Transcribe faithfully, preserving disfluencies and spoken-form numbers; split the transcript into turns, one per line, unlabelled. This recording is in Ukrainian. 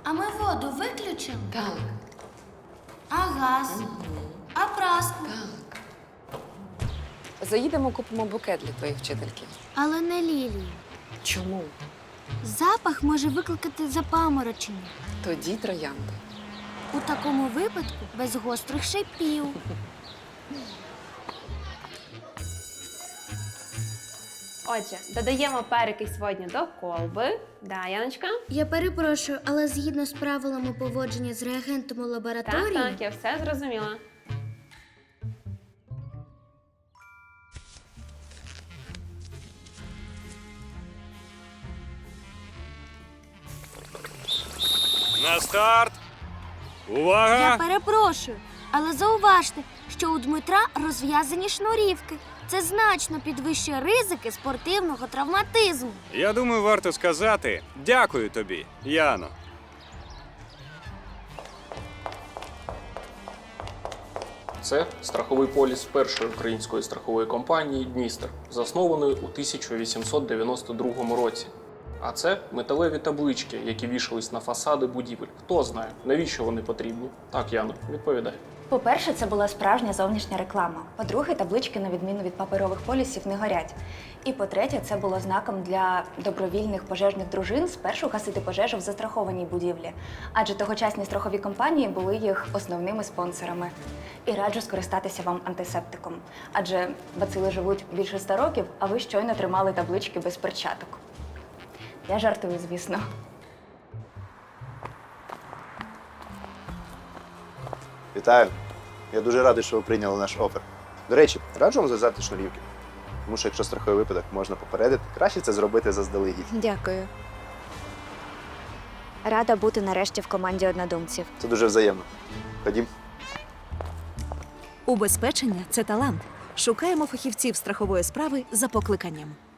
А ми воду виключимо?
Так.
А газ? А праску?
Так. Заїдемо, купимо букет для твоєї вчительки.
Але не лілію.
Чому?
Запах може викликати запаморочення.
Тоді троянди.
У такому випадку без гострих шипів.
Отже, додаємо перекись водню до колби. Да, Яночка?
Я перепрошую, але згідно з правилами поводження з реагентом у
Так,
лабораторії,
так, я все зрозуміла.
На старт!
я
Увага!
перепрошую, але зауважте, що у Дмитра розв'язані шнурівки. Це значно підвищує ризики спортивного травматизму.
Я думаю, варто сказати дякую тобі, Яно.
Це страховий поліс першої української страхової компанії «Дністер», заснованої у тисяча вісімсот дев'яносто другому році. А це металеві таблички, які вішались на фасади будівель. Хто знає, навіщо вони потрібні? Так, Яно, відповідай.
По-перше, це була справжня зовнішня реклама. По-друге, таблички, на відміну від паперових полісів, не горять. І по-третє, це було знаком для добровільних пожежних дружин спершу гасити пожежу в застрахованій будівлі. Адже тогочасні страхові компанії були їх основними спонсорами. І раджу скористатися вам антисептиком. Адже бацили живуть більше ста років, а ви щойно тримали таблички без перчаток. Я жартую, звісно.
Вітаю. Я дуже радий, що ви прийняли наш офер. До речі, раджу вам зв'язати шнурівки. Тому що якщо страховий випадок можна попередити, краще це зробити заздалегідь.
Дякую. Рада бути нарешті в команді однодумців.
Це дуже взаємно. Ходім.
Убезпечення – це талант. Шукаємо фахівців страхової справи за покликанням.